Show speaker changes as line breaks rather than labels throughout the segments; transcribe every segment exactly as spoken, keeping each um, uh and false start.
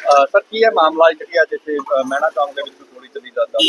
Sir की है मामला जी अज इतने मैना चौक के गोली चली जाता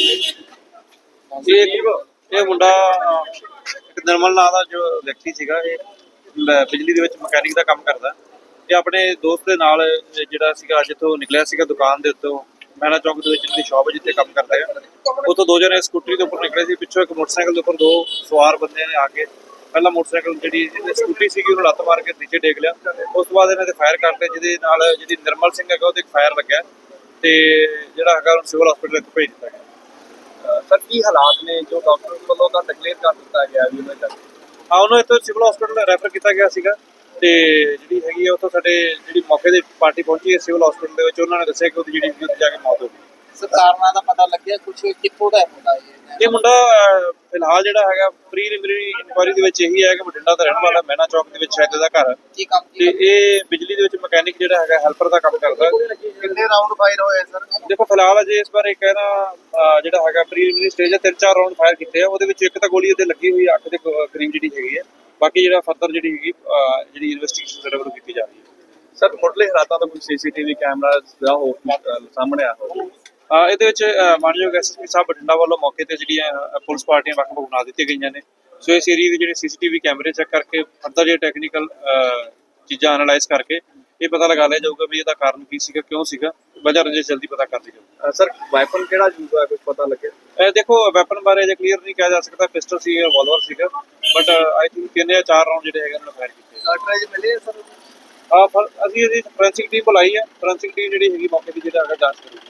ਇਹ ਮੁੰਡਾ ਇੱਕ ਨਿਰਮਲ ਨਾਂ ਦਾ ਜੋ ਵਿਅਕਤੀ ਸੀਗਾ ਇਹ ਬਿਜਲੀ ਦੇ ਵਿੱਚ ਮਕੈਨਿਕ ਦਾ ਕੰਮ ਕਰਦਾ ਤੇ ਆਪਣੇ ਦੋਸਤ ਦੇ ਨਾਲ ਜਿਹੜਾ ਸੀਗਾ ਜਿੱਥੋਂ ਨਿਕਲਿਆ ਸੀਗਾ ਦੁਕਾਨ ਦੇ ਉੱਤੋਂ ਮੈਨਾ ਚੌਕ ਦੇ ਵਿੱਚ ਜਿਹੜੀ ਸ਼ਾਪ ਜਿੱਥੇ ਕੰਮ ਕਰਦੇ ਆ ਉੱਥੋਂ ਦੋ ਜਣੇ ਸਕੂਟਰੀ ਦੇ ਉੱਪਰ ਨਿਕਲੇ ਸੀ ਪਿੱਛੋਂ ਇੱਕ ਮੋਟਰਸਾਈਕਲ ਦੇ ਉੱਪਰ ਦੋ ਸਵਾਰ ਬੰਦੇ ਨੇ ਆ ਕੇ ਪਹਿਲਾਂ ਮੋਟਰਸਾਈਕਲ ਜਿਹੜੀ ਸਕੂਟਰੀ ਸੀਗੀ ਉਹਨੂੰ ਲੱਤ ਮਾਰ ਕੇ ਨੀਚੇ ਡੇਗ ਲਿਆ ਉਸ ਤੋਂ ਬਾਅਦ ਇਹਨਾਂ ਦੇ ਫਾਇਰ ਕਰਦੇ ਜਿਹਦੇ ਨਾਲ ਜਿਹੜੀ ਨਿਰਮਲ ਸਿੰਘ ਹੈਗਾ ਉਹਦੇ ਇੱਕ ਫਾਇਰ ਲੱਗਿਆ ਤੇ ਜਿਹੜਾ ਹੈਗਾ ਉਹਨੂੰ ਸਿਵਲ ਹਸਪੀਟਲ ਭੇਜ ਦਿੱਤਾ ਗਿਆ।
सर की हालात ने जो डॉक्टर वालों का डिक्लेयर कर दिता गया भी उन्हें
ਹਾਂ ਉਹਨੂੰ ਇੱਥੋਂ ਸਿਵਲ ਹਸਪੀਟਲ ਰੈਫਰ ਕੀਤਾ ਗਿਆ ਸੀਗਾ ਤੇ ਜਿਹੜੀ ਹੈਗੀ ਆ ਉੱਥੋਂ ਸਾਡੇ ਜਿਹੜੀ ਮੌਕੇ ਦੀ ਪਾਰਟੀ ਪਹੁੰਚੀ ਹੈ ਸਿਵਲ ਹਸਪੀਟਲ ਦੇ ਵਿੱਚ ਉਹਨਾਂ ਨੇ ਦੱਸਿਆ ਕਿ ਉਹਦੀ ਜਿਹੜੀ ਉੱਥੇ ਜਾ ਕੇ ਮੌਤ ਹੋ ਗਈ।
ਸਰਕਾਰਾਂ ਦਾ ਪਤਾ ਲੱਗਿਆ ਕੁਝ ਕਿੱਥੋਂ ਦਾ ਮੁੰਡਾ ਇਹ
ਇਹ ਮੁੰਡਾ ਫਿਲਹਾਲ ਜਿਹੜਾ ਹੈਗਾ ਪ੍ਰੀਲਿਮਿਨਰੀ ਇਨਕੁਆਇਰੀ ਦੇ ਵਿੱਚ ਇਹੀ ਹੈ ਕਿ ਬਠਿੰਡਾ ਦਾ ਰਹਿਣ ਵਾਲਾ ਮੈਨਾ ਚੌਕ ਦੇ ਵਿੱਚ ਸ਼ਾਇਦ ਇਹਦਾ ਘਰ
ਕੀ ਕੰਮ
ਤੇ ਇਹ ਬਿਜਲੀ ਦੇ ਵਿੱਚ ਮਕੈਨਿਕ ਜਿਹੜਾ ਹੈਗਾ ਹੈਲਪਰ ਦਾ ਕੰਮ ਕਰਦਾ।
ਕਿੰਨੇ ਰਾਉਂਡ ਫਾਇਰ ਹੋਏ ਸਰ?
ਦੇਖੋ ਫਿਲਹਾਲ ਅਜੇ ਇਸ ਬਾਰੇ ਕਹਿਣਾ ਜਿਹੜਾ ਹੈਗਾ ਪ੍ਰੀਲਿਮਿਨਰੀ ਸਟੇਜ ਹੈ ਤਿੰਨ ਚਾਰ ਰਾਉਂਡ ਫਾਇਰ ਕੀਤੇ ਆ ਉਹਦੇ ਵਿੱਚ ਇੱਕ ਤਾਂ ਗੋਲੀ ਉਹਦੇ ਲੱਗੀ ਹੋਈ ਅੱਖ ਦੇ ਕਰੀਬ ਜਿਹੜੀ ਹੈਗੀ ਹੈ ਬਾਕੀ ਜਿਹੜਾ ਫਰਦਰ ਜਿਹੜੀ ਹੈਗੀ ਜਿਹੜੀ ਇਨਵੈਸਟੀਗੇਸ਼ਨ ਸਾਡੇ ਵੱਲੋਂ ਕੀਤੀ ਜਾ ਰਹੀ ਹੈ।
ਸਰ ਮੁੱਢਲੇ ਹਾਲਾਤਾਂ ਦਾ ਕੋਈ ਸੀਸੀਟੀਵੀ ਕੈਮਰਾ ਜਾਂ ਹੋਰ ਸਾਹਮਣੇ ਆ
ਇਹਦੇ ਵਿੱਚ ਮਾਨਯੋਗ ਐਸਐਸਪੀ ਸਾਹਿਬ ਬਠਿੰਡਾ ਵੱਲੋਂ ਮੌਕੇ ਤੇ ਜਿਹੜੀਆਂ ਪੁਲਿਸ ਪਾਰਟੀਆਂ ਵੱਖ-ਵੱਖ ਬਣਾ ਦਿੱਤੀਆਂ ਗਈਆਂ ਨੇ ਸੋ ਇਸ ਏਰੀਏ ਦੇ ਜਿਹੜੇ ਸੀਸੀਟੀਵੀ ਕੈਮਰੇ ਚੈੱਕ ਕਰਕੇ ਫਰਦਰ ਜਿਹੜੇ ਟੈਕਨੀਕਲ ਚੀਜ਼ਾਂ ਐਨਾਲਾਈਜ਼ ਕਰਕੇ ਇਹ ਪਤਾ ਲਗਾ ਲਿਆ ਜਾਊਗਾ ਵੀ ਇਹਦਾ ਕਾਰਨ ਕੀ ਸੀਗਾ ਕਿਉਂ ਸੀਗਾ ਵਜ੍ਹਾ ਰੰਜਿਸ਼ ਜਲਦੀ ਪਤਾ ਕਰ ਲਈ ਜਾਊਗੀ।
ਸਰ ਵੈਪਨ ਕਿਹੜਾ ਯੂਜ਼ ਹੋਇਆ ਕੁਝ ਪਤਾ ਲੱਗਿਆ?
ਇਹ ਦੇਖੋ ਵੈਪਨ ਬਾਰੇ ਜੇ ਕਲੀਅਰ ਨਹੀਂ ਕਿਹਾ ਜਾ ਸਕਦਾ ਪਿਸਟਲ ਸੀ ਰਿਵਾਲਵਰ ਸੀਗਾ ਬਟ ਆਈ ਥਿੰਕ ਤਿੰਨ ਜਾਂ ਚਾਰ ਰਾਉਂਡ ਜਿਹੜੇ ਹੈਗੇ ਉਹਨਾਂ ਨੇ ਫਾਇਰ ਕੀਤੇ।
ਕਾਰਟ੍ਰਿਜ ਮਿਲੇ ਸਰ?
ਹਾਂ ਅਸੀਂ ਇਹਦੀ ਫੋਰੈਂਸਿਕ ਟੀਮ ਬੁਲਾਈ ਹੈ ਫੋਰੈਂਸਿਕ ਟੀਮ ਜਿਹੜੀ ਹੈਗੀ ਮੌਕੇ ਦੀ ਜਿਹੜਾ ਹੈਗਾ ਜਾਂਚ ਕਰੂਗੀ।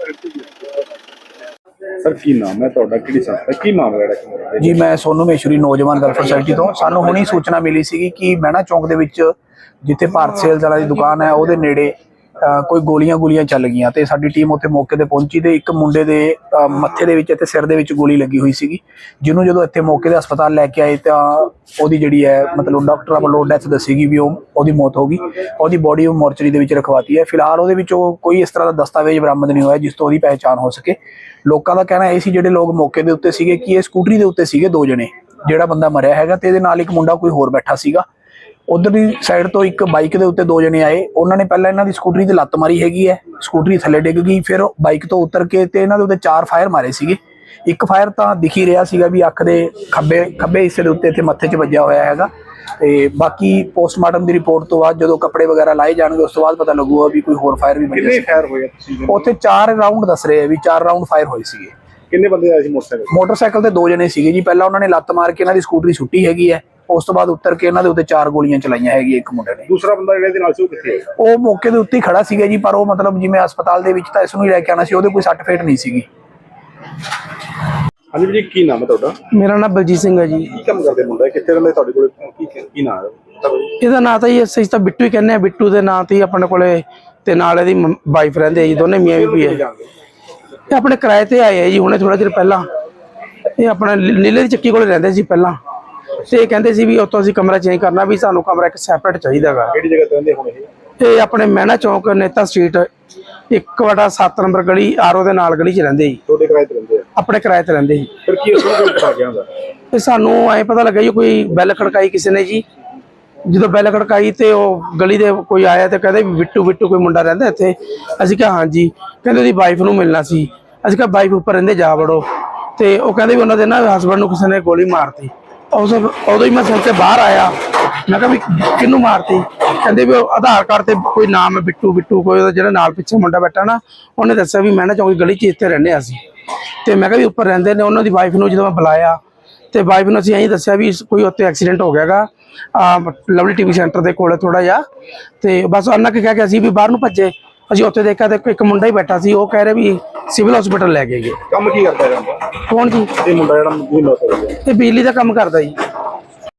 ਸਰ ਕੀ ਨਾਮ ਹੈ ਤੁਹਾਡਾ ਕਿਹੜੀ ਸੰਸਥਾ ਕੀ ਮਾਮਲਾ ਹੈ
ਜੀ? ਮੈਂ ਸੋਨੂ ਮੇਸ਼ੂਰੀ ਨੌਜਵਾਨ ਵੈਲਫੇਅਰ ਸੁਸਾਇਟੀ ਤੋਂ। ਸਾਨੂੰ ਹੁਣੀ ਸੂਚਨਾ ਮਿਲੀ ਸੀਗੀ ਕਿ ਮੈਨਾ ਚੌਂਕ ਦੇ ਵਿੱਚ ਜਿੱਥੇ ਭਾਰਤ ਸੇਲਜ਼ ਵਾਲਾ ਦੀ ਦੁਕਾਨ ਹੈ ਉਹਦੇ ਨੇੜੇ ਕੋਈ ਗੋਲੀਆਂ ਗੋਲੀਆਂ ਚੱਲ ਗਈਆਂ ਤੇ ਸਾਡੀ ਟੀਮ ਉੱਥੇ ਮੌਕੇ ਤੇ ਪਹੁੰਚੀ ਤੇ ਇੱਕ ਮੁੰਡੇ ਦੇ ਮੱਥੇ ਦੇ ਵਿੱਚ ਤੇ ਸਿਰ ਦੇ ਵਿੱਚ ਗੋਲੀ ਲੱਗੀ ਹੋਈ ਸੀਗੀ ਜਿਹਨੂੰ ਜਦੋਂ ਇੱਥੇ ਮੌਕੇ ਦੇ ਹਸਪਤਾਲ ਲੈ ਕੇ ਆਏ ਤਾਂ ਉਹਦੀ ਜਿਹੜੀ ਹੈ ਮਤਲਬ ਡਾਕਟਰਾਂ ਵੱਲੋਂ ਡੈਥ ਦੱਸੀ ਗਈ ਵੀ ਉਹ ਉਹਦੀ ਮੌਤ ਹੋ ਗਈ। ਉਹਦੀ ਬੋਡੀ ਉਹ ਮੋਰਚਰੀ ਦੇ ਵਿੱਚ ਰਖਵਾਤੀ ਹੈ। ਫਿਲਹਾਲ ਉਹਦੇ ਵਿੱਚ ਉਹ ਕੋਈ ਇਸ ਤਰ੍ਹਾਂ ਦਾ ਦਸਤਾਵੇਜ਼ ਬਰਾਮਦ ਨਹੀਂ ਹੋਇਆ ਜਿਸ ਤੋਂ ਉਹਦੀ ਪਹਿਚਾਣ ਹੋ ਸਕੇ। ਲੋਕਾਂ ਦਾ ਕਹਿਣਾ ਇਹ ਸੀ ਜਿਹੜੇ ਲੋਕ ਮੌਕੇ ਦੇ ਉੱਤੇ ਸੀਗੇ ਕਿ ਇਹ ਸਕੂਟਰੀ ਦੇ ਉੱਤੇ ਸੀਗੇ ਦੋ ਜਣੇ ਜਿਹੜਾ ਬੰਦਾ ਮਰਿਆ ਹੈਗਾ ਤੇ ਇਹਦੇ ਨਾਲ ਇੱਕ ਮੁੰਡਾ ਕੋਈ ਹੋਰ ਬੈਠਾ ਸੀਗਾ। ਉਧਰ ਦੀ ਸਾਈਡ ਤੋਂ ਇੱਕ ਬਾਈਕ ਦੇ ਉੱਤੇ ਦੋ ਜਣੇ ਆਏ ਉਹਨਾਂ ਨੇ ਪਹਿਲਾਂ ਇਹਨਾਂ ਦੀ ਸਕੂਟਰੀ ਤੇ ਲੱਤ ਮਾਰੀ ਹੈਗੀ ਹੈ ਸਕੂਟਰੀ ਥੱਲੇ ਡਿੱਗ ਗਈ ਫਿਰ ਬਾਈਕ ਤੋਂ ਉਤਰ ਕੇ ਤੇ ਇਹਨਾਂ ਦੇ ਉੱਤੇ ਚਾਰ ਫਾਇਰ ਮਾਰੇ ਸੀਗੇ। ਇੱਕ ਫਾਇਰ ਤਾਂ ਦਿਖ ਹੀ ਰਿਹਾ ਸੀਗਾ ਵੀ ਅੱਖ ਦੇ ਖੱਬੇ ਖੱਬੇ ਹਿੱਸੇ ਦੇ ਉੱਤੇ ਇੱਥੇ ਮੱਥੇ 'ਚ ਵੱਜਿਆ ਹੋਇਆ ਹੈਗਾ ਤੇ ਬਾਕੀ ਪੋਸਟਮਾਰਟਮ ਦੀ ਰਿਪੋਰਟ ਤੋਂ ਬਾਅਦ ਜਦੋਂ ਕੱਪੜੇ ਵਗੈਰਾ ਲਾਏ ਜਾਣਗੇ ਉਸ ਤੋਂ ਬਾਅਦ ਪਤਾ ਲੱਗੂਗਾ ਵੀ ਕੋਈ ਹੋਰ ਫਾਇਰ ਵੀ ਵੱਜਿਆ।
ਕਿੰਨੇ ਫਾਇਰ ਹੋਏ ਤੁਸੀਂ?
ਉੱਥੇ ਚਾਰ ਰਾਉਂਡ ਦੱਸ ਰਹੇ ਆ ਵੀ ਚਾਰ ਰਾਉਂਡ ਫਾਇਰ ਹੋਏ ਸੀਗੇ।
ਕਿੰਨੇ ਬੰਦੇ ਆਏ ਸੀ ਮੋਟਰਸਾਈਕਲ?
ਮੋਟਰਸਾਈਕਲ ਤੇ ਦੋ ਜਣੇ ਸੀਗੇ ਜੀ। ਪਹਿਲਾਂ ਉਹਨਾਂ ਨੇ ਲੱਤ ਮਾਰ ਕੇ ਇਹਨਾਂ ਦੀ ਸਕੂਟਰੀ ਸੁੱਟੀ ਹੈਗੀ ਹੈ ਉਸ ਤੋਂ ਬਾਅਦ ਉੱਤਰ ਕੇ ਇਹਨਾਂ ਦੇ ਉੱਤੇ ਚਾਰ ਗੋਲੀਆਂ ਚਲਾਈਆਂ ਹੈਗੀਆਂ ਇੱਕ ਮੁੰਡੇ ਨੇ।
ਦੂਸਰਾ ਬੰਦਾ ਜਿਹੜੇ ਦੇ ਨਾਲ ਸੀ ਉਹ ਕਿੱਥੇ ਹੈ?
ਉਹ ਮੌਕੇ ਦੇ ਉੱਤੇ ਖੜਾ ਸੀਗਾ ਜੀ ਪਰ ਉਹ ਮਤਲਬ ਜਿਵੇਂ ਹਸਪਤਾਲ ਦੇ ਵਿੱਚ ਤਾਂ ਇਸ ਨੂੰ ਹੀ ਲੈ ਕੇ ਆਣਾ ਸੀ ਉਹਦੇ ਕੋਈ ਸੱਟ ਫੇਟ ਨਹੀਂ ਸੀਗੀ।
ਹਾਂਜੀ ਜੀ ਕੀ ਨਾਮ ਹੈ ਤੁਹਾਡਾ?
ਮੇਰਾ ਨਾਮ ਬਲਜੀਤ ਸਿੰਘ ਹੈ ਜੀ।
ਕੀ ਕੰਮ ਕਰਦੇ ਮੁੰਡਾ ਕਿੱਥੇ ਰਹਿੰਦੇ ਤੁਹਾਡੇ ਕੋਲ ਕੀ ਕੀ ਨਾਮ ਹੈ?
ਇਹਦਾ ਨਾਂ ਤਾਂ ਜੀ ਅਸੀਂ ਤਾਂ ਬਿੱਟੂ ਹੀ ਕਹਿੰਦੇ ਆ। ਬਿੱਟੂ ਦੇ ਨਾਂ ਤੇ ਆਪਣੇ ਕੋਲੇ ਤੇ ਨਾਲ ਇਹਦੀ ਵਾਈਫ ਰਹਿੰਦੇ ਆ ਜੀ ਦੋਨੇ ਮੀਆਂ ਬੀਬੀ ਹੈ। ਇਹ ਆਪਣੇ ਕਿਰਾਏ ਤੇ ਆਏ ਆ ਜੀ ਹੁਣੇ ਥੋੜਾ ਚਿਰ ਪਹਿਲਾਂ। ਇਹ ਆਪਣਾ ਨੀਲੇ ਦੀ ਚੱਕੀ ਕੋਲ ਰਹਿੰਦੇ ਸੀ ਪਹਿਲਾਂ ਤੇ ਇਹ ਕਹਿੰਦੇ ਸੀ ਵੀ ਉੱਥੋਂ ਅਸੀਂ ਕਮਰਾ ਚੇਂਜ ਕਰਨਾ ਵੀ ਸਾਨੂੰ ਕਮਰਾ ਇੱਕ ਸੈਪਰੇਟ ਚਾਹੀਦਾ ਗਾ।
ਕਿਹੜੀ ਜਗ੍ਹਾ ਤੇ ਰਹਿੰਦੇ ਹੁਣ ਇਹ?
ਇਹ ਆਪਣੇ ਮਹਿਣਾ ਚੌਂਕ ਨੇਤਾ ਸਟਰੀਟ ਇੱਕ ਵਟਾ ਸੱਤ ਨੰਬਰ ਗਲੀ ਆਰਓ ਦੇ ਨਾਲ ਗਲੀ 'ਚ ਰਹਿੰਦੇ ਜੀ।
ਤੁਹਾਡੇ ਕਿਰਾਏ ਤੇ ਰਹਿੰਦੇ ਆ?
ਆਪਣੇ ਕਿਰਾਏ ਤੇ ਰਹਿੰਦੇ ਜੀ।
ਫਿਰ ਕੀ ਉਸਨੂੰ ਕੋਈ ਪਤਾ ਗਿਆ ਹੁੰਦਾ?
ਤੇ ਸਾਨੂੰ ਐ ਪਤਾ ਲੱਗਾ ਜੀ ਕੋਈ ਬੈਲ ਖੜਕਾਈ ਕਿਸੇ ਨੇ ਜੀ। ਜਦੋਂ ਬੈਲ ਖੜਕਾਈ ਤੇ ਉਹ ਗਲੀ ਦੇ ਕੋਈ ਆਇਆ ਤੇ ਕਹਿੰਦੇ ਬਿੱਟੂ ਬਿੱਟੂ ਕੋਈ ਮੁੰਡਾ ਰਹਿੰਦਾ ਇੱਥੇ। ਅਸੀਂ ਕਿਹਾ ਹਾਂਜੀ। ਕਹਿੰਦੇ ਉਹਦੀ ਵਾਈਫ ਨੂੰ ਮਿਲਣਾ ਸੀ। ਅਸੀਂ ਕਿਹਾ ਵਾਈਫ ਉੱਪਰ ਰਹਿੰਦੇ ਜਾ ਵੜੋ ਤੇ ਉਹ ਕਹਿੰਦੇ ਵੀ ਉਹਨਾਂ ਦੇ ਨਾ ਹਸਬੈਂਡ ਨੂੰ ਕਿਸੇ ਨੇ ਗੋਲੀ ਮਾਰਤੀ। ਉਸ ਉਦੋਂ ਹੀ ਮੈਂ ਸੁਣ ਕੇ ਬਾਹਰ ਆਇਆ ਮੈਂ ਕਿਹਾ ਵੀ ਕਿਹਨੂੰ ਮਾਰਤੀ? ਕਹਿੰਦੇ ਵੀ ਉਹ ਆਧਾਰ ਕਾਰਡ ਤੇ ਕੋਈ ਨਾਮ ਹੈ ਬਿੱਟੂ ਬਿੱਟੂ ਕੋਈ ਉਹਦਾ ਜਿਹੜਾ ਨਾਲ ਪਿੱਛੇ ਮੁੰਡਾ ਬੈਠਾ ਨਾ ਉਹਨੇ ਦੱਸਿਆ ਵੀ ਮੈਂ ਨਾ ਚੌਂਕੀ ਗਲੀ 'ਚ ਇੱਥੇ ਰਹਿੰਦੇ ਅਸੀਂ ਤੇ ਮੈਂ ਕਿਹਾ ਵੀ ਉੱਪਰ ਰਹਿੰਦੇ ਨੇ। ਉਹਨਾਂ ਦੀ ਵਾਈਫ ਨੂੰ ਜਦੋਂ ਮੈਂ ਬੁਲਾਇਆ ਤੇ ਵਾਈਫ ਨੂੰ ਅਸੀਂ ਇਹੀ ਦੱਸਿਆ ਵੀ ਕੋਈ ਉੱਥੇ ਐਕਸੀਡੈਂਟ ਹੋ ਗਿਆ ਗਾ ਲਵਲੀ ਟੀਵੀ ਸੈਂਟਰ ਦੇ ਕੋਲ ਥੋੜਾ ਜਿਹਾ ਤੇ ਬਸ ਉਹਨਾਂ ਕੇ ਕਹਿ ਕੇ ਅਸੀਂ ਵੀ ਬਾਹਰ ਨੂੰ ਭੱਜੇ। ਅਸੀਂ ਉੱਥੇ ਦੇਖਿਆ ਤੇ ਇੱਕ ਮੁੰਡਾ ਹੀ ਬੈਠਾ ਸੀ ਉਹ ਕਹਿ ਰਿਹਾ ਵੀ ਸਿਵਲ ਹਸਪੀਟਲ ਲੈ ਕੇ ਗਏ।
ਕੰਮ ਕੀ ਕਰਦਾ ਰਹਿੰਦਾ?
ਕੌਣ ਜੀ?
ਇਹ ਮੁੰਡਾ ਜਿਹੜਾ ਮੌਤ ਹੋ ਗਿਆ
ਇਹ ਬਿਜਲੀ ਦਾ ਕੰਮ ਕਰਦਾ ਜੀ।